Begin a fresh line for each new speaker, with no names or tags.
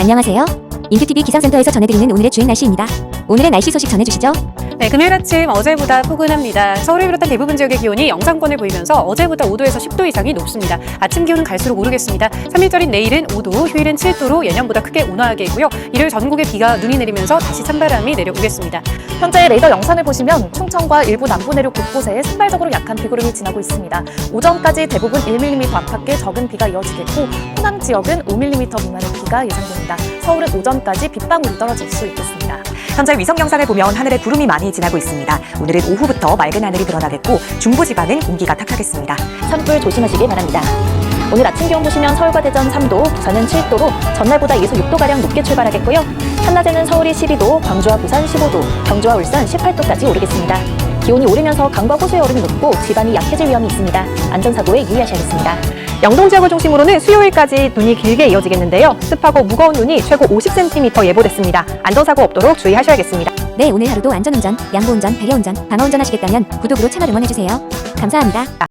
안녕하세요. 인큐TV 기상센터에서 전해드리는 오늘의 주행 날씨입니다. 오늘의 날씨 소식 전해주시죠.
네, 금요일 아침 어제보다 포근합니다. 서울을 비롯한 대부분 지역의 기온이 영상권을 보이면서 어제보다 5도에서 10도 이상이 높습니다. 아침 기온은 갈수록 오르겠습니다. 3일절인 내일은 5도, 휴일은 7도로 예년보다 크게 온화하겠고요. 일요일 전국에 눈이 내리면서 다시 찬바람이 내려오겠습니다.
현재 레이더 영상을 보시면 충청과 일부 남부 내륙 곳곳에 산발적으로 약한 비구름이 지나고 있습니다. 오전까지 대부분 1mm 안팎의 적은 비가 이어지겠고 호남 지역은 5mm 미만의 비가 예상됩니다. 서울은 오전까지 빗방울이 떨어질 수 있겠습니다.
현재 위성 영상을 보면 하늘에 구름이 많이 지나고 있습니다. 오늘은 오후부터 맑은 하늘이 드러나겠고 중부지방은 공기가 탁하겠습니다.
산불 조심하시기 바랍니다. 오늘 아침 기온 보시면 서울과 대전 3도, 부산은 7도로 전날보다 2에서 6도가량 높게 출발하겠고요. 한낮에는 서울이 12도, 광주와 부산 15도, 경주와 울산 18도까지 오르겠습니다. 기온이 오르면서 강과 호수의 얼음이 녹고 지반이 약해질 위험이 있습니다. 안전사고에 유의하셔야겠습니다.
영동 지역을 중심으로는 수요일까지 눈이 길게 이어지겠는데요. 습하고 무거운 눈이 최고 50cm 예보됐습니다. 안전사고 없도록 주의하셔야겠습니다.
네, 오늘 하루도 안전운전, 양보운전, 배려운전, 방어운전 하시겠다면 구독으로 채널 응원해주세요. 감사합니다.